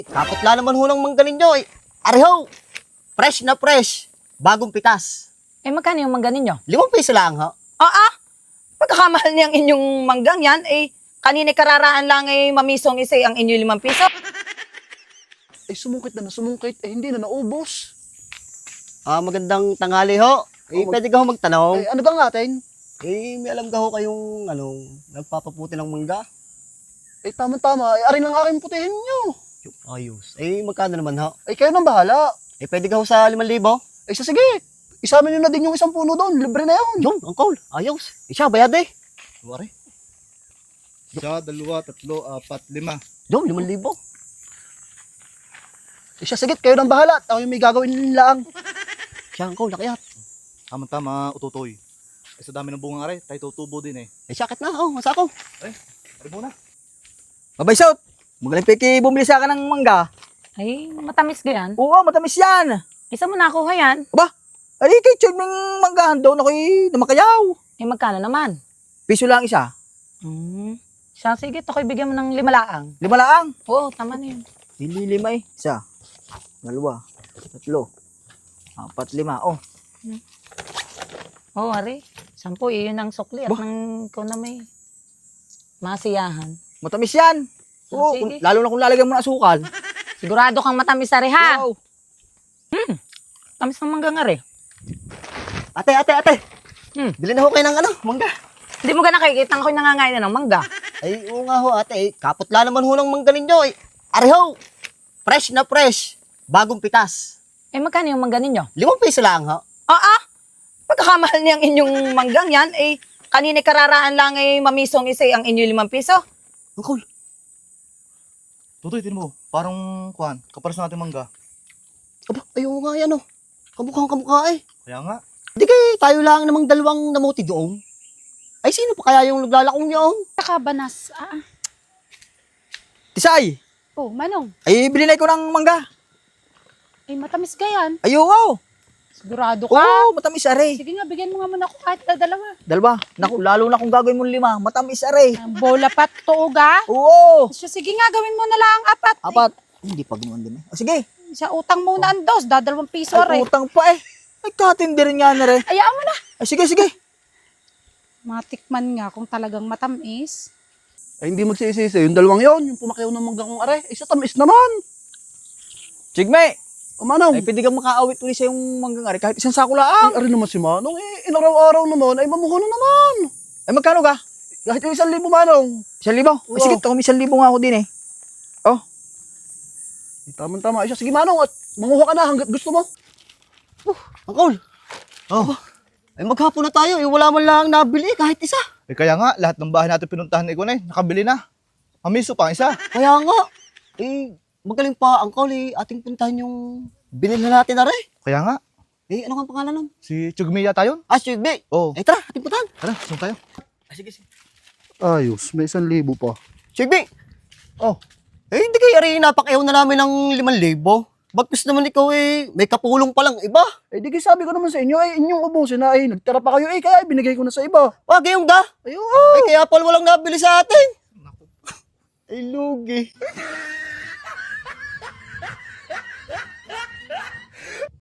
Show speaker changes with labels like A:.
A: Kaputla naman ho ng mangga ninyo eh. Areho! Fresh na fresh. Bagong pitas.
B: Magkano yung mangga ninyo?
A: 5 piso lang ho.
B: Pagkakamahal niyang inyong manggang yan, kanina kararaan lang mamisong isa ang inyo 5 piso.
C: Sumungkit na sumungkit. Hindi na naubos.
A: Magandang tanghali ho. Pwede ka ho magtanong.
C: Ano bang atin?
A: May alam ka ho kayong, nagpapaputi ng mangga?
C: Tama-tama. Arin ang aking putihin nyo.
A: Ayos. Magkano naman ho?
C: Kayo nang bahala.
A: Pwede ka ho sa 5,000?
C: Sige. Isama nyo na din yung isang puno doon. Libre na yun.
A: Yun, Uncle. Ayos. Siya, bayad eh.
C: Wari.
D: 1, 2, 3, 4, 5.
A: Yun, 5,000.
C: Sige, kayo nang bahala. Ako yung may gagawin lang.
A: Siya, Uncle, nakayat.
D: Tama-tama, ututoy. Sa dami ng bungang aray, tayo tutubo din eh.
A: Sakit na. Masa ako.
D: Ari muna.
E: Mabay Sot, magaling piki bumili sa akin ng mangga.
B: Matamis ka yan.
E: Oo, matamis yan.
B: Isa mo nakuha yan.
E: Ali kay Chod ming manggahan daw na ko'y namakayaw.
B: Magkano naman?
E: Piso lang isa.
B: Siya, sige, ito ko'y bigyan mo ng 5 laang.
E: 5 lang.
B: Oo, tama na yun.
E: Hindi 5 eh. Isa, 2, 3, 4, 5. Oh,
B: Oo, Ari. 10, yun ang sukli at nang ikaw na may masiyahan.
E: matamis yan. Oo,
B: Sige.
E: lalo na kung lalagyan mo ng asukal.
B: Sigurado kang matamis, Ari, ha?
E: Wow.
B: Tamis ng manggang, Ari.
A: Ate.
B: Hmm.
A: Bili na ho kayo ng mangga.
B: Hindi mo ka nakikita ako'y nangangain na ng mangga.
A: Oo nga ho, ate. Kaputla naman ho ng mangga ninyo eh. Areho! Fresh na fresh. Bagong pitas.
B: Magkano yung mangga ninyo?
A: 5 piso lang ho.
B: Pagkakamahal niyang inyong manggang yan, kanina kararaan lang mamisong isa ang inyo 5 piso.
A: Uncle,
D: Tutoy, tinan mo. Parang, kaparas natin mangga.
A: ayaw nga yan oh. Kamukhang kamukha eh.
D: Kaya nga.
A: Hindi kay tayo lang namang dalawang namuti doon. Ay, sino pa kaya yung naglalakong niyo?
F: Nakabanas.
E: Tisay,
F: Manong.
E: ay bilinay ko ng mangga.
F: Matamis ka yan.
E: Ayo, wow.
F: Sigurado ka.
E: Oo, matamis are.
F: Sige nga, bigyan mo nga muna ako kahit dalawa.
E: Dalawa. Naku, lalo na kung gagawin mo 5, matamis are.
F: Ang bola pat, tuog
E: Oo.
F: Sige nga, gawin mo na lang ang 4.
E: 4. Hindi pa gumawa din eh. Sige.
F: Sa utang muna ang 2, 2 piso
E: Ay,
F: rin.
E: utang pa eh. Ay, katindi rin nga na rin.
F: Ayaan mo na.
E: Ay, sige.
F: Matikman nga kung talagang matamis.
C: Hindi magsisisi. Yung dalawang yon, yung pumakyaw ng manggang kong are. Sa tamis naman.
E: Chigme,
C: Manong.
E: ay pwede kang makaawit ulit sa yung manggang ari kahit isang sako lang.
C: Ari naman si Manong. Inaraw-araw naman. Mamuha na naman.
E: Ay, magkano ka?
C: Kahit yung 1,000 Manong.
E: 1,000? Ay, sige, ito kami 1,000 nga ako din eh.
C: Tama-tama. Sige Manong, at manguha ka na hanggat gusto mo.
A: Uncle. Ay, maghapon na tayo. Wala man lang nabili kahit isa.
D: Kaya nga, lahat ng bahay natin pinuntahan ni Kunay, nakabili na. Mamiso pa ang isa.
A: Kaya nga. Magaling pa, Uncle. Ating puntahan yung binili natin na rin.
D: Kaya nga,
A: Ano nga ang pangalan nun?
D: si Chugmi yata yun.
A: Should be.
D: Oo.
A: Tara, ating puntahan.
D: Tara, saan tayo?
A: Sige.
C: Ayos, may 1,000 pa.
A: Should be.
D: Oh.
A: Hindi kayo rin napakayaw na namin ng 5,000. Bagkus naman ikaw may kapulong pa lang iba.
C: Di sabi ko naman sa inyo, inyong ubusin na, nagtira pa kayo, kaya binigay ko na sa iba.
A: Wag yung ga.
C: Ayun,
A: Kaya pala walang nabili sa atin. Ay, lugi.